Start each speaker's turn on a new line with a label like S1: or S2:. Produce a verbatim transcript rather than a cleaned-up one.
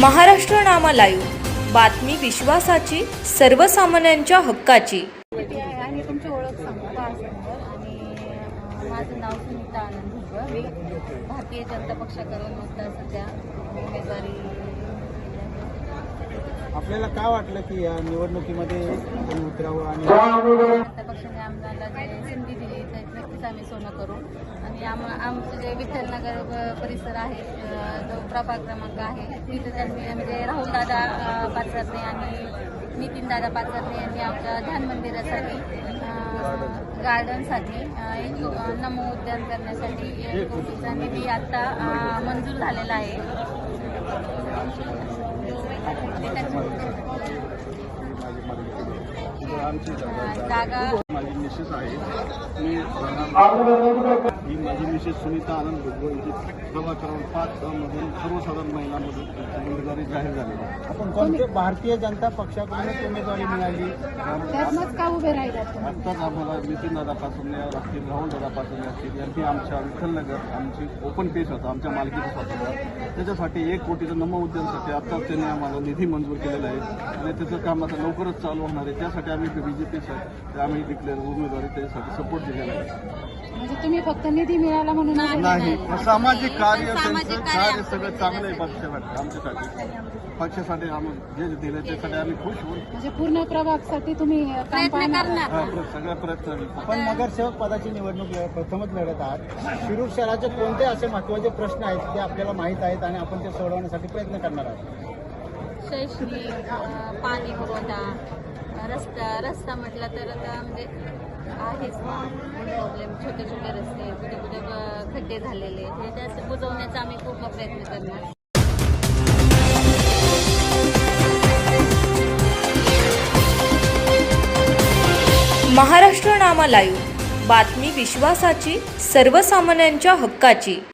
S1: महाराष्ट्र नामा live, बातमी विश्वासाची, सर्वसामान्यांच्या हक्काची.
S2: आणि तुमची ओळख सांगा बाळासंगर. आणि अ, माझं नाव सुनीता आनंद भुजबळ. मी भारतीय जनता पक्षाकडून मतदार सध्या उमेदवारी.
S3: आपल्याला काय वाटलं की या निवडणुकीमध्ये आपण उतरावं आणि
S2: जनता पक्षाने आम्हाला जे संधी दिली तर नक्कीच आम्ही सोनं करू. आणि आम आमचं जे विठ्ठलनगर प- परिसर आहे, अ, जो प्रभाग क्रमांक आहे, तिथे त्यांनी म्हणजे राहुलदादा अ, पाचरणे आणि नितीनदादा पाचरणे यांनी आमच्या ध्यान मंदिरासाठी, अ, गार्डनसाठी अ, एक अ, नमो उद्यान करण्यासाठी एक कोटीचा निधी आता अ, मंजूर झालेला आहे.
S3: आमची
S2: जागा
S3: माझी मिसेस आहे. मी ही माझी मिसेस सुनीता आनंद भुजबळ यांची प्रभाग क्रमांक पाच मधून सर्वसाधारण महिलांमधून उमेदवारी जाहीर झाली. आपण कोणत्या भारतीय जनता पक्षाकडून उमेदवारी मिळाली?
S2: त्यातनंच का उभे राहिलात?
S3: आत्ताच आम्हाला नितीनदादा पासून असतील, राहुलदादा पासून असतील यांची आमच्या विठ्ठलनगर आमची ओपन पेस होता, आमच्या मालकीचा स्वतः. त्याच्यासाठी एक कोटीचं नमो उद्यानसाठी आत्ताच त्यांनी आम्हाला निधी मंजूर केलेला आहे आणि त्याचं काम आता लवकरच चालू होणार आहे. त्यासाठी आम्ही बीजेपीसाठी आम्ही डिक्लेअर उमेदवारी त्याच्यासाठी सपोर्ट दिलेला आहे.
S2: म्हणजे तुम्ही फक्त निधी मिळाला म्हणून
S3: नाही, सामाजिक कार्य त्यांचं कार्य सगळं चांगलं आहे पक्षासाठी. आमच्यासाठी पक्षासाठी आम्ही जे दिले त्यासाठी आम्ही खुश होऊ.
S2: म्हणजे पूर्ण प्रभागासाठी तुम्ही प्रयत्न करणार.
S3: हा, प्र- सगळ्या प्रयत्न. आपण नगरसेवक पदाची निवडणूक लढ- प्रथमच लढत आहात. शिरूर शहराचे कोणते असे महत्त्वाचे प्रश्न आहेत जे आपल्याला माहीत आहेत आणि आपण ते सोडवण्यासाठी प्रयत्न करणार आहोत?
S2: शैक्षणिक, अ, पाणी पुरवठा, रस्ता रस्ता म्हटलं तर आता म्हणजे आहेच प्रॉब्लेम. छोटे छोटे रस्ते, कुठे कुठे ब- खड्डे झालेले, हे त्याचे बुजवण्याचा आम्ही पूर्ण प्रयत्न करणार.
S1: महाराष्ट्र नामा लाईव्ह, बातमी विश्वासाची, सर्वसामान्यांच्या हक्काची.